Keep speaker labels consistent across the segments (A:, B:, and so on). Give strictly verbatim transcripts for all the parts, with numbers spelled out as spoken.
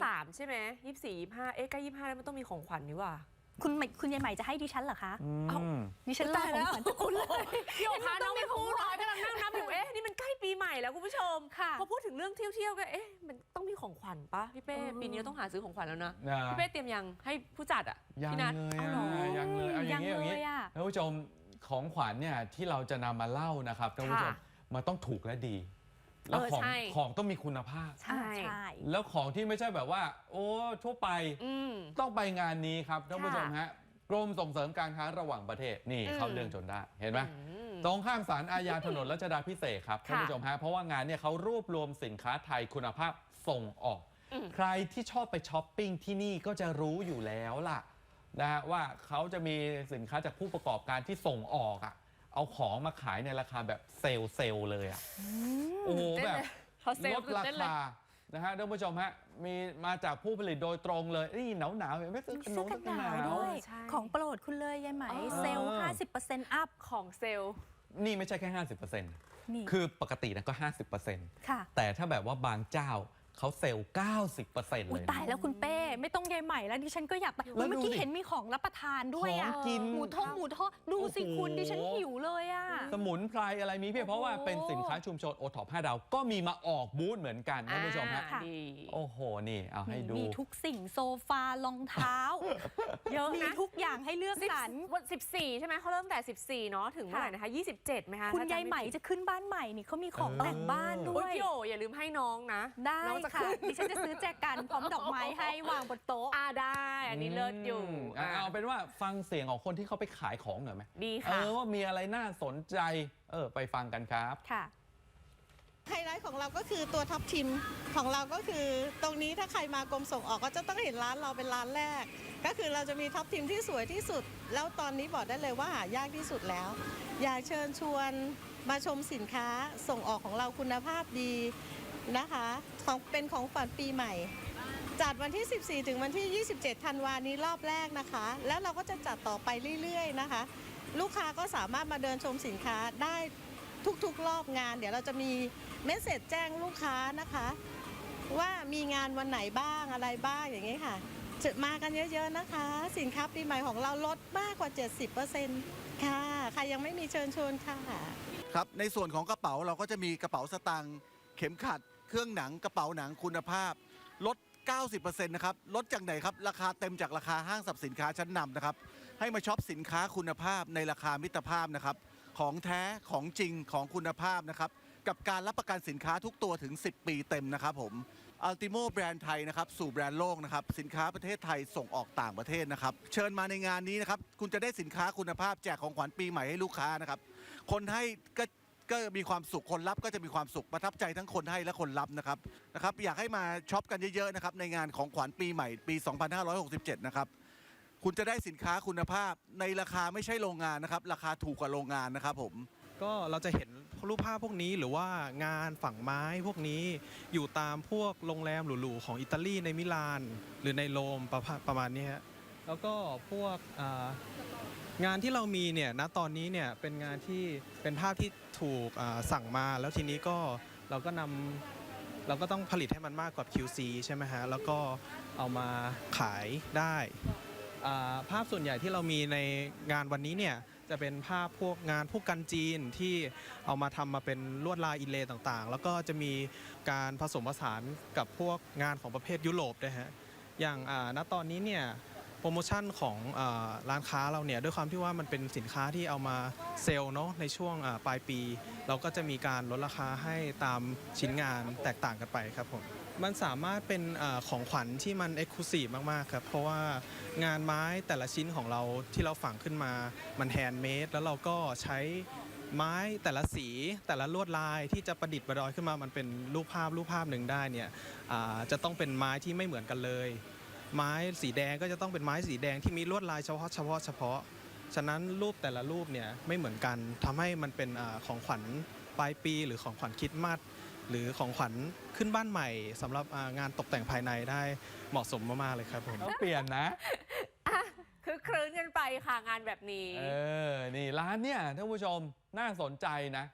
A: สามใช่ไหมยี่สิบสี่ยี่สิบห้าเอ๊ะใกล้ยี่สิบห้าแล้วมันต้องมีของขวัญนี่ว่า
B: คุณคุณยายใหม่จะให้ดิฉันเหรอคะ
C: เอา
B: ดิฉันรอของขวัญจากคุณเลย
A: โยกค่ะน้องไม่พูดกำลังนั่งนับอยู่เอ๊ะนี่มันใกล้ปีใหม่แล้วคุณผู้ชมพอพูดถึงเรื่องเที่ยวๆก็เอ๊ะมันต้องมีของขวัญปะพี่เป้ปีนี้ต้องหาซื้อของขวัญแล้วนะพี่เป้เตรียมยังให้ผู้จัดอ่ะ
C: ยังเลยยังเลยเอาอย่างนี้อย่างนี้ท่านผู้ชมของขวัญเนี่ยที่เราจะนำมาเล่านะครับท่านผู้ชมมันต้องถูกและดีแล้วของของต้องมีคุณภาพ
B: ใช่
C: แล้วของที่ไม่ใช่แบบว่าโอ้ทั่วไปต้องไปงานนี้ครับท่านผู้ชมฮะกรมส่งเสริมการค้าระหว่างประเทศนี่เข้าเรื่องจนได้เห็นไหมตรงข้ามศาลอาญาถนนรัชดาภิเษกครับท่านผู้ชมฮะเพราะว่างานเนี่ยเขารวบรวมสินค้าไทยคุณภาพส่งออกใครที่ชอบไปช้อปปิ้งที่นี่ก็จะรู้อยู่แล้วล่ะนะฮะว่าเขาจะมีสินค้าจากผู้ประกอบการที่ส่งออกอ่ะเอาของมาขายในราคาแบบเซลล์เซลล์เลยอ่ะโอ้โหแบบลดราคานะฮะท่านผู้ชมฮะมีมาจากผู้ผลิตโดยตรงเลยนี่หนาวหนาวเห็นไหมซื้อขนมกันหนาว
B: ด้วยของโปรดคุณเลยยายไหมเซลล์ ห้าสิบเปอร์เซ็นต์ อัพ
A: ของเซลล์
C: นี่ไม่ใช่แค่ ห้าสิบเปอร์เซ็นต์ คือปกตินะก็ ห้าสิบเปอร์เซ็นต์ แต่ถ้าแบบว่าบางเจ้าเขาเซลล์ เก้าสิบเปอร์เซ็นต์ เลย
B: ตายแล้วคุณเป้ไม่ต้องยายใหม่แล้วดิฉันก็อยากไปเมื่อกี้เห็นมีของรับประทานด้วยอ่ะหมูทอดหมูทอดดูสิคุณดิฉันหิวเลยอ่ะ
C: สมุนไพรอะไรมีเพียบเพราะว่าเป็นสินค้าชุมชนโอท็อปห้าดาวก็มีมาออกบูธเหมือนกันท่านผู้ชมฮะโอ้โหนี่เอาให้ดู
B: มีทุกสิ่งโซฟารองเท้าเยอะมีทุกอย่างให้เลือกสรร
A: วันสิบสี่ใช่ไหมเขาเริ่มแต่สิบสี่เนาะถึงเมื่อไหร่นะคะยี่สิบเจ็ดไหมคะ
B: คุณยายใหม่จะขึ้นบ้านใหม่นี่เขามีของแต่งบ้านด้วย
A: พี่โออย่าลืมให้น้องนะ
B: ได้ค่ะดิฉันจะซื้อแจกันพร้อมดอกไม้ให้วางบนโต๊ะ
A: อ่าได้อันนี้เลิศอยู่
C: เอาเป็นว่าฟังเสียงของคนที่เขาไปขายของหน่อยไหม
A: ดีค่ะ
C: เออว่ามีอะไรน่าสนใจเออไปฟังกันครับ
B: ค่ะ
D: ไฮไลท์ของเราก็คือตัวท็อปทิมของเราก็คือตรงนี้ถ้าใครมากรมส่งออกก็จะต้องเห็นร้านเราเป็นร้านแรกก็คือเราจะมีท็อปทิมที่สวยที่สุดแล้วตอนนี้บอกได้เลยว่าหายากที่สุดแล้วอยากเชิญชวนมาชมสินค้าส่งออกของเราคุณภาพดีนะคะของเป็นของฝันปีใหม่จัดวันที่สิบสี่ถึงวันที่ยี่สิบเจ็ดธันวาคมนี้รอบแรกนะคะแล้วเราก็จะจัดต่อไปเรื่อยๆนะคะลูกค้าก็สามารถมาเดินชมสินค้าได้ทุกๆรอบงานเดี๋ยวเราจะมีเมสเสจแจ้งลูกค้านะคะว่ามีงานวันไหนบ้างอะไรบ้างอย่างนี้ค่ะจะมากันเยอะๆนะคะสินค้าปีใหม่ของเราลดมากกว่า เจ็ดสิบเปอร์เซ็นต์ ค่ะใครยังไม่มีเชิญชวนค่ะ
E: ครับในส่วนของกระเป๋าเราก็จะมีกระเป๋าสตางค์เข็มขัดเครื่องหนังกระเป๋าหนังคุณภาพลด เก้าสิบเปอร์เซ็นต์ นะครับลดจากไหนครับราคาเต็มจากราคาห้างสรรพสินค้าชั้นนำนะครับให้มาช็อปสินค้าคุณภาพในราคามิตรภาพนะครับของแท้ของจริงของคุณภาพนะครับกับการรับประกันสินค้าทุกตัวถึงสิบปีเต็มนะครับผมอัลติโมแบรนด์ไทยนะครับสู่แบรนด์โลกนะครับสินค้าประเทศไทยส่งออกต่างประเทศนะครับเชิญมาในงานนี้นะครับคุณจะได้สินค้าคุณภาพแจกของขวัญปีใหม่ให้ลูกค้านะครับคนให้ก็ก็มีความสุขคนรับก็จะมีความสุขประทับใจทั้งคนให้และคนรับนะครับนะครับอยากให้มาช็อปกันเยอะๆนะครับในงานของขวัญปีใหม่ปีสองพันห้าร้อยหกสิบเจ็ดนะครับคุณจะได้สินค้าคุณภาพในราคาไม่ใช่โรงงานนะครับราคาถูกกว่าโรงงานนะครับผม
F: ก็เราจะเห็นรูปภาพพวกนี้หรือว่างานฝั่งไม้พวกนี้อยู่ตามพวกโรงแรมหรูๆของอิตาลีในมิลานหรือในโรมประประมาณนี้ฮะแล้วก็พวกงานที่เรามีเนี่ยณตอนนี้เนี่ยเป็นงานที่เป็นภาพที่ถูกสั่งมาแล้วทีนี้ก็เราก็นำเราก็ต้องผลิตให้มันมากกว่า คิว ซี ใช่ไหมฮะแล้วก็เอามาขายได้ภาพส่วนใหญ่ที่เรามีในงานวันนี้เนี่ยจะเป็นภาพพวกงานพวกกันจีนที่เอามาทำมาเป็นลวดลายอินเลย์ต่างๆแล้วก็จะมีการผสมผสานกับพวกงานของประเภทยุโรปด้วยฮะอย่างณตอนนี้เนี่ยโปรโมชั่นของร้านค้าเราเนี่ยด้วยความที่ว่ามันเป็นสินค้าที่เอามาเซลล์เนาะในช่วงปลายปีเราก็จะมีการลดราคาให้ตามชิ้นงานแตกต่างกันไปครับผมมันสามารถเป็นของขวัญที่มันเอ็กซ์คลูซีฟมากๆครับเพราะว่างานไม้แต่ละชิ้นของเราที่เราฝังขึ้นมามันแฮนด์เมดแล้วเราก็ใช้ไม้แต่ละสีแต่ละลวดลายที่จะประดิษฐ์ประดอยขึ้นมามันเป็นรูปภาพรูปภาพหนึ่งได้เนี่ยจะต้องเป็นไม้ที่ไม่เหมือนกันเลยไม้สีแดงก็จะต้องเป็นไม้สีแดงที่มีลวดลายเฉพาะเฉพาะเฉพาะฉะนั้นรูปแต่ละรูปเนี่ยไม่เหมือนกันทำให้มันเป็นของขวัญปลายปีหรือของขวัญคริสต์มาสหรือของขวัญขึ้นบ้านใหม่สำหรับงานตกแต่งภายในได้เหมาะสมมากๆเลยครับผม
C: ต้องเปลี่ยนนะ
A: คือคลื้นกันไปค่ะงานแบบนี้
C: เออนี่ร้านเนี่ยท่านผู้ชมน่าสนใจนะค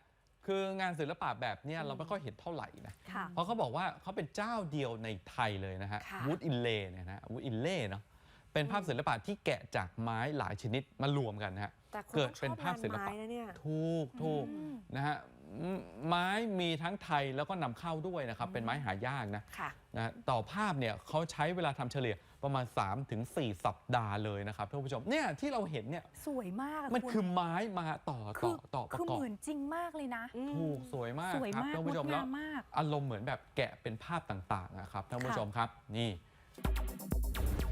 C: คืองานศิลปะแบบเนี้ยเราไม่ค่อยเห็นเท่าไหร่นะ
B: ค่ะ
C: เพราะเขาบอกว่าเขาเป็นเจ้าเดียวในไทยเลยนะฮะ
A: ค่ะ
C: วูดอินเล่เนี่ยนะวูดอินเล่เนาะเป็นภาพศิลปะที่แกะจากไม้หลายชนิดมารวมกันนะฮะ
A: แต่คน
C: เกิด
A: ต้องช
C: เป็น
A: อบ
C: ภาพศิล
A: งาน
C: ปะ
A: ไม้นะเนี่ย
C: ถูกถูกนะฮะอืมไม้มีทั้งไทยแล้วก็นำเข้าด้วยนะครับ เป็นไม้หายากนะ
A: ค่ะ
C: นะต่อภาพเนี่ยเขาใช้เวลาทำเฉลี่ยประมาณ สามถึงสี่ สัปดาห์เลยนะครับท่านผู้ชมเนี่ยที่เราเห็นเนี่ย
B: สวยมากะ
C: มัน
B: ณ
C: คือไม้มาต่อ
B: คื
C: ต่อต่อประ
B: คือก
C: อบ
B: เหมือนจริงมากเลยนะ
C: ถูกสวยมาก
B: สวย
C: ครับ
B: มาก
C: ท่าน
B: ง
C: ผู้ช
B: ด
C: มแล้ว
B: งามมาก
C: อารมณ์เหมือนแบบแกะเป็นภาพต่างๆนะครับท่านผู้
B: ค่ะ
C: ชมครับนี่